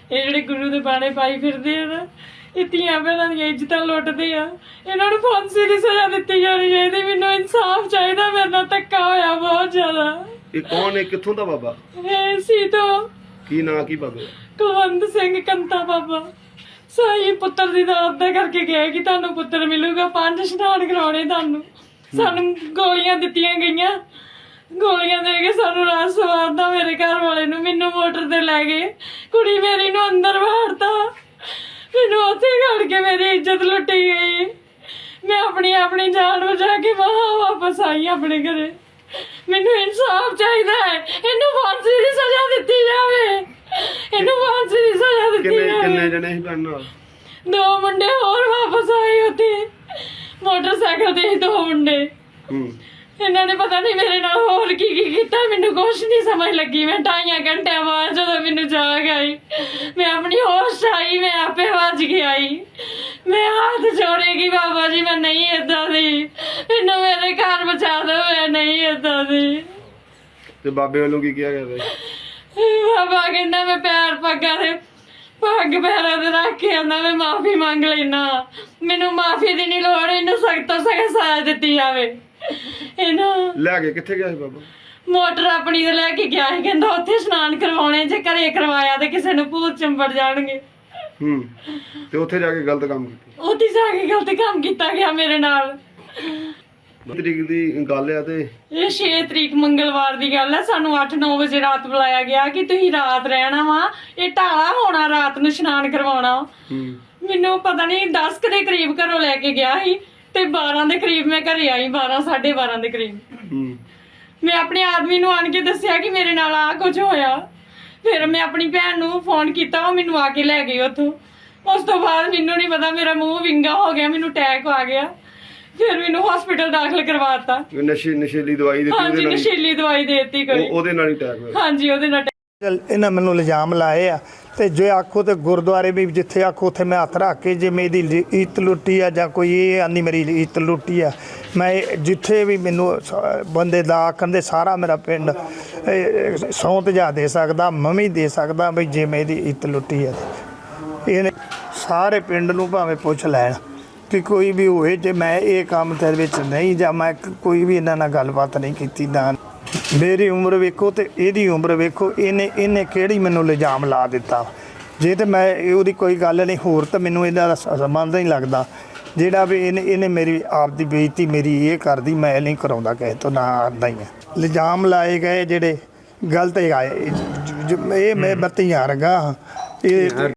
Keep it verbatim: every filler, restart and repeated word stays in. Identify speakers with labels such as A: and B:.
A: ਇਹ ਜਿਹੜੇ ਗੁਰੂ ਦੇ ਬਾਣੇ ਪਾਈ ਫਿਰਦੇ ਆ ਨਾ, ਇਹ ਧੀਆਂ ਭੈਣਾਂ ਦੀਆਂ ਇੱਜ਼ਤਾਂ ਲੁੱਟਦੇ ਆ। ਇਹਨਾਂ ਨੂੰ ਫਾਂਸੀ ਦੀ ਸਜ਼ਾ ਦਿੱਤੀ ਜਾਣੀ ਚਾਹੀਦੀ। ਮੈਨੂੰ ਇਨਸਾਫ ਚਾਹੀਦਾ, ਮੇਰੇ ਨਾਲ ਧੱਕਾ ਹੋਇਆ ਬਹੁਤ ਜ਼ਿਆਦਾ।
B: ਇਹ ਕੌਣ ਹੈ, ਕਿੱਥੋਂ ਦਾ ਬਾਬਾ?
A: ਇਹ ਸੀ ਤੋਂ
B: ਕੀ ਨਾਂ ਕੀ ਬਾਬੇ?
A: ਕੁਲਵੰਤ ਸਿੰਘ ਕੰਤਾ ਬਾਬਾ। ਸਾਈ ਪੁੱਤਰ ਦੀ ਦਾਤ ਦਾ ਕਰਕੇ ਗਏ ਕਿ ਤੁਹਾਨੂੰ ਪੁੱਤਰ ਮਿਲੂਗਾ, ਪੰਜ ਇਸ਼ਨਾਨ ਕਰਾਉਣੇ ਤੁਹਾਨੂੰ। ਸਾਨੂੰ ਗੋਲੀਆਂ ਦਿੱਤੀਆਂ ਗਈਆਂ, ਗੋਲੀਆਂ ਦੇ ਕੇ ਸਾਨੂੰ ਰਾਤ ਸਵਾਰਦਾ ਮੇਰੇ ਘਰ ਵਾਲੇ ਨੂੰ। ਮੈਨੂੰ ਮੋਟਰ ਤੇ ਲੈ ਗਏ, ਕੁੜੀ ਮੇਰੀ ਨੂੰ ਅੰਦਰ ਵਾੜਤਾ, ਮੈਨੂੰ ਉੱਥੇ ਘੜ ਕੇ ਮੇਰੀ ਇੱਜ਼ਤ ਲੁੱਟੀ ਗਈ। ਮੈਂ ਆਪਣੀ ਆਪਣੀ ਜਾਨ ਬਚਾ ਕੇ ਵਹਾਂ ਵਾਪਸ ਆਈ ਆਪਣੇ ਘਰੇ। ਮੈਨੂੰ ਇਨਸਾਫ ਚਾਹੀਦਾ ਹੈ, ਇਹਨੂੰ ਫਾਂਸੀ ਦੀ ਸਜ਼ਾ ਦਿੱਤੀ ਜਾਵੇ, ਇਹਨੂੰ ਫਾਂਸੀ ਦੀ ਸਜ਼ਾ ਦਿੱਤੀ
B: ਕਿੰਨੇ
A: ਜਾਵੇ।
B: ਕਿੰਨੇ ਜਣੇ ਸੀ ਭੈਣ ਨਾਲ?
A: ਦੋ ਮੁੰਡੇ ਹੋਰ ਵਾਪਸ ਆਏ ਉੱਥੇ, ਮੋਟਰਸਾਈਕਲ ਤੇ ਹੀ ਦੋ ਮੁੰਡੇ।
B: ਹੂੰ
A: ਇਹਨਾਂ ਨੇ ਪਤਾ ਨਹੀਂ ਮੇਰੇ ਨਾਲ ਹੋਰ ਕੀ ਕੀ ਕੀਤਾ, ਮੈਨੂੰ ਕੁਛ ਨਹੀਂ ਸਮਝ ਲੱਗੀ। ਮੈਂ ਢਾਈਆਂ ਘੰਟਿਆਂ ਬਾਅਦ ਜਦੋਂ ਮੈਨੂੰ ਜਾਗ ਆਈ, ਮੈਂ ਆਪਣੀ ਹੋਸ਼ ਆਈ, ਮੈਂ ਆਪੇ ਵੱਜ ਕੇ ਆਈ। ਮੈਂ ਹੱਥ ਜੋੜੇਗੀ, ਬਾਬਾ ਜੀ ਮੈਂ ਨਹੀਂ ਏਦਾਂ ਦੀ, ਮੈਨੂੰ ਮੇਰੇ ਘਰ ਬਚਾ ਦਿਓ, ਮੈਂ ਨਹੀਂ ਏਦਾਂ ਦੀ।
B: ਤੇ ਬਾਬੇ ਵੱਲੋਂ ਕੀ ਕਿਹਾ ਗਿਆ?
A: ਬਾਬਾ ਕਹਿੰਦਾ ਮੈਂ ਪੈਰ ਪੱਗਾਂ ਦੇ ਪੱਗ ਪੈਰਾਂ ਤੇ ਰੱਖ ਕੇ ਆਂਦਾ ਮੈਂ ਮਾਫੀ ਮੰਗ ਲੈਣਾ, ਮੈਨੂੰ ਮਾਫੀ ਦੀ ਨਹੀਂ ਲੋੜ, ਇਹਨੂੰ ਸਖਤ ਤੋਂ ਸਖਤ ਸਜ਼ਾ ਦਿੱਤੀ ਜਾਵੇ। ਇਹਨੂੰ
B: ਲੈ ਕੇ ਕਿੱਥੇ ਗਿਆ ਸੀ ਬਾਬਾ?
A: ਮੋਟਰ ਆਪਣੀ ਤੇ ਲੈ ਕੇ ਗਿਆ ਸੀ, ਕਹਿੰਦਾ ਉੱਥੇ ਇਸ਼ਨਾਨ ਕਰਵਾਉਣੇ, ਜੇ ਘਰੇ ਕਰਵਾਇਆ ਤੇ ਕਿਸੇ ਨੂੰ ਭੂਤ ਚੰਬੜ ਜਾਣਗੇ।
B: ਹੂੰ ਤੇ ਉੱਥੇ ਜਾ ਕੇ ਗਲਤ ਕੰਮ ਕੀਤਾ?
A: ਉੱਥੇ ਜਾ ਕੇ ਗਲਤ ਕੰਮ ਕੀਤਾ ਗਿਆ ਮੇਰੇ ਨਾਲ।
B: ਤਰੀਕ ਦੀ ਗੱਲ ਆ ਤੇ
A: ਇਹ ਛੇ ਤਰੀਕ ਮੰਗਲਵਾਰ ਦੀ ਗੱਲ ਹੈ। ਸਾਨੂੰ ਅੱਠ ਨੌ ਵਜੇ ਰਾਤ ਬੁਲਾਇਆ ਗਿਆ ਕਿ ਤੁਸੀਂ ਰਾਤ ਰਹਿਣਾ ਵਾ, ਇਹ ਢਾਲਾ ਹੋਣਾ, ਰਾਤ ਨੂੰ ਇਸ਼ਨਾਨ ਕਰਵਾਉਣਾ।
B: ਹੂੰ
A: ਮੈਨੂੰ ਪਤਾ ਨਹੀਂ ਦਸ ਕੁ ਦੇ ਕਰੀਬ ਘਰੋਂ ਲੈ ਕੇ ਗਿਆ ਸੀ ਤੇ ਬਾਰਾਂ ਦੇ ਕਰੀਬ ਮੈਂ ਘਰੇ ਆਈ, ਬਾਰਾਂ ਸਾਢੇ ਬਾਰਾਂ ਦੇ ਕਰੀਬ।
B: ਹੂੰ
A: ਮੈਂ ਆਪਣੇ ਆਦਮੀ ਨੂੰ ਆਣ ਕੇ ਦੱਸਿਆ ਕਿ ਮੇਰੇ ਨਾਲ ਆ ਕੁਝ ਹੋਇਆ। ਫਿਰ ਮੈਂ ਆਪਣੀ ਭੈਣ ਨੂੰ ਫੋਨ ਕੀਤਾ, ਉਹ ਮੈਨੂੰ ਆ ਕੇ ਲੈ ਗਈ ਉੱਥੋਂ। ਉਸ ਤੋਂ ਬਾਅਦ ਮੈਨੂੰ ਨਹੀਂ ਪਤਾ, ਮੇਰਾ ਮੂੰਹ ਵਿੰਗਾ ਹੋ ਗਿਆ, ਮੈਨੂੰ ਅਟੈਕ ਆ ਗਿਆ। ਫਿਰ ਮੈਨੂੰ ਹਸਪੀਟਲ ਦਾਖਲ ਕਰਵਾਤਾ।
B: ਨਸ਼ੇ ਨਸ਼ੀਲੀ ਦਵਾਈ ਦਿੱਤੀ?
A: ਹਾਂਜੀ ਨਸ਼ੀਲੀ ਦਵਾਈ ਦੇ ਦਿੱਤੀ ਕੋਈ।
B: ਉਹਦੇ ਨਾਲ ਹੀ ਅਟੈਕ ਹੋਇਆ?
A: ਹਾਂਜੀ ਉਹਦੇ ਨਾਲ।
C: ਇਹਨਾਂ ਮੈਨੂੰ ਇਲਜ਼ਾਮ ਲਾਏ ਆ ਤੇ ਜੇ ਆਖੋ ਤੇ ਗੁਰਦੁਆਰੇ ਵੀ ਜਿੱਥੇ ਆਖੋ ਉੱਥੇ ਮੈਂ ਹੱਥ ਰੱਖ ਕੇ ਜੇ ਮੇਰੀ ਇੱਜ਼ਤ ਲੁੱਟੀ ਆ ਜਾਂ ਕੋਈ ਇਹ ਆਂਦੀ ਮੇਰੀ ਇੱਜ਼ਤ ਲੁੱਟੀ ਆ, ਮੈਂ ਜਿੱਥੇ ਵੀ ਮੈਨੂੰ ਸ- ਬੰਦੇ ਦਾ ਆਖਣ ਦੇ ਸਾਰਾ ਮੇਰਾ ਪਿੰਡ ਸਹੁੰ ਤਜਾ ਦੇ ਸਕਦਾ, ਮੈਂ ਵੀ ਦੇ ਸਕਦਾ ਵੀ ਜੇ ਮੇਰੀ ਇੱਜ਼ਤ ਲੁੱਟੀ ਆ। ਇਹਨੇ ਸਾਰੇ ਪਿੰਡ ਨੂੰ ਭਾਵੇਂ ਪੁੱਛ ਲੈਣ ਕਿ ਕੋਈ ਵੀ ਹੋਏ ਜੇ ਮੈਂ ਇਹ ਕੰਮ ਦੇ ਵਿੱਚ ਨਹੀਂ ਜਾਂ ਮੈਂ ਕੋਈ ਵੀ ਇਹਨਾਂ ਨਾਲ ਗੱਲਬਾਤ ਨਹੀਂ ਕੀਤੀ। ਨਾ ਮੇਰੀ ਉਮਰ ਵੇਖੋ ਤੇ ਇਹਦੀ ਉਮਰ ਵੇਖੋ, ਇਹਨੇ ਇਹਨੇ ਕਿਹੜੀ ਮੈਨੂੰ ਇਲਜ਼ਾਮ ਲਾ ਦਿੱਤਾ। ਜੇ ਤੇ ਮੈਂ ਉਹਦੀ ਕੋਈ ਗੱਲ ਨਹੀਂ, ਹੋਰ ਤਾਂ ਮੈਨੂੰ ਇਹਦਾ ਦਾ ਸੰਬੰਧ ਨਹੀਂ ਲੱਗਦਾ। ਜਿਹੜਾ ਵੀ ਇਹਨੇ ਇਹਨੇ ਮੇਰੀ ਆਪ ਦੀ ਬੇਇੱਜ਼ਤੀ ਮੇਰੀ ਇਹ ਕਰਦੀ, ਮੈਂ ਨਹੀਂ ਕਰਾਉਂਦਾ ਕਿਸੇ ਤੋਂ, ਨਾ ਆਉਂਦਾ ਹੀ ਹੈ। ਇਲਜ਼ਾਮ ਲਾਏ ਗਏ ਜਿਹੜੇ ਗਲਤ ਆਏ, ਇਹ ਮੈਂ ਬੱਤੀਆਂ ਰਗਾ ਇਹ